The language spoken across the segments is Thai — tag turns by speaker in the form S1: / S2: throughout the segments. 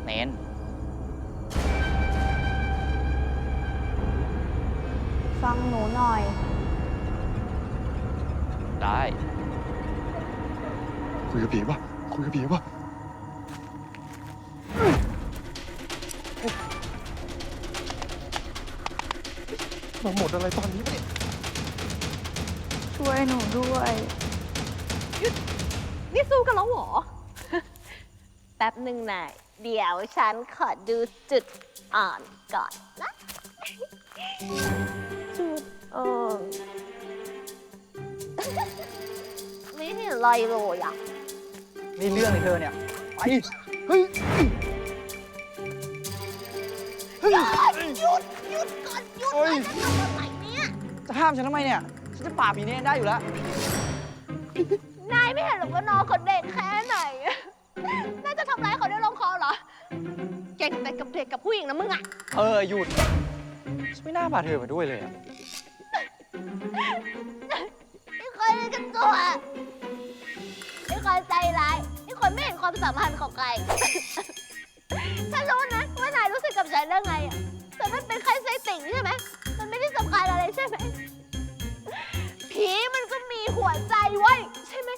S1: เน้น
S2: ฟังหนูหน่อย
S1: ได้
S3: คุยกับผีป่ะคุยกับผีป่ะมาหมดอะไรตอนนี้วะเนี่ย
S2: ช่วยหนูด้วย
S4: นี่สู้กันแล้วเหรอ แป๊บหนึ่งนายเดี๋ยวฉันขอดูจุดอ่อนก่อนนะ จุดอ่อนไม่เห็นอะไรเลยอ่ะ
S5: นี่เรื่องเลยเธอเนี่ยไป
S3: เฮ้ย
S4: หยุดก่อนหยุด
S3: เฮ้ย
S4: จะทำอะไรเนี่ย
S5: จะห้ามฉันทำไมเนี่ยฉันจะปราบผีนี้ได้อยู่แล้ว
S4: นายไม่เห็นหรอกว่าน้องเขาเด็กแค่ไหนน่าจะทำร้ายเขาได้ลงคอเหรอ เก่งแต่กับเด็กกับผู้หญิงนะมึงอ่ะ
S5: หยุดฉันไม่น่าพาเธอมาด้วยเลยอะ
S4: ไม่เคยเล่นกันตัวไม่เคยใจร้ายไม่เคยไม่เห็นความสัมพันธ์ของใคร ฉันรู้นะว่านายรู้สึกกับฉันเรื่องไงอ่ะแต่มันเป็นแค่ไส้ติ่งใช่ไหมมันไม่ได้สำคัญอะไรใช่ไหมผีมันก็มีหัวใจไว้ใช่ไหม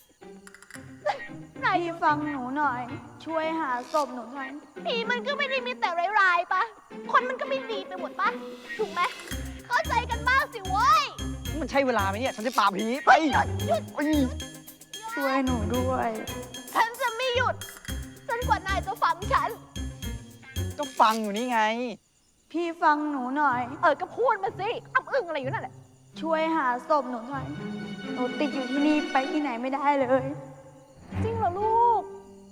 S4: นาย
S2: พี่ฟังหนูหน่อย ช่วยหาศพหนูหน่อย
S4: ผีมันก็ไม่ได้มีแต่ร้ายๆปะคนมันก็ไม่ดีไปหมดปะถูกไหมเข้าใจกันบ้างสิเว้ย
S5: มันใช่เวลาไหมเนี่ยฉันจะปราบผีไป
S4: หยุด
S2: ช่วยหนูด้วย
S4: ฉันจะไม่หยุดจนกว่านายจะฟังฉัน
S5: ก็ฟังอยู่นี่ไง
S2: พี่ฟังหนูหน่อย
S4: ก็พูดมาสิอ้ำอึ้งอะไรอยู่นั่นแหละ
S2: ช่วยหาศพหนูหน่อย หนูติดอยู่ที่นี่ไปที่ไหนไม่ได้เลย
S4: จริงเหรอลูก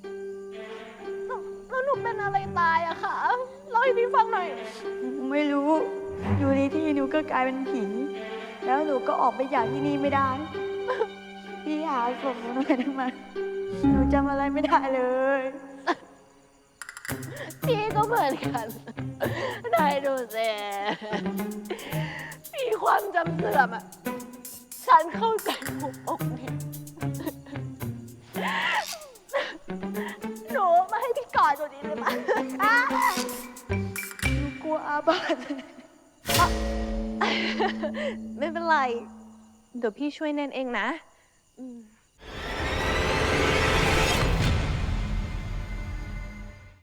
S4: แล้วหนูเป็นอะไรตายอะคะเล่าให้พี่ฟังหน่อย
S2: หนูไม่รู้ อยู่ในที่หนูก็กลายเป็นผี แล้วหนูก็ออกไปจากที่นี่ไม่ได้ พี่หาศพหนูหน่อยได้ไหมหนูจำอะไรไม่ได้เลย
S4: พี่ก็เหมือนกันนายดูสิมีความจำเสื่อมอะฉันเข้าใจหัวอกนี่หนูมาให้พี่กอดตัวนี้เลยมั้ย
S2: หนูกลัวอาบัติ
S4: ไม่เป็นไร เดี๋ยวพี่ช่วยเน้นเองนะ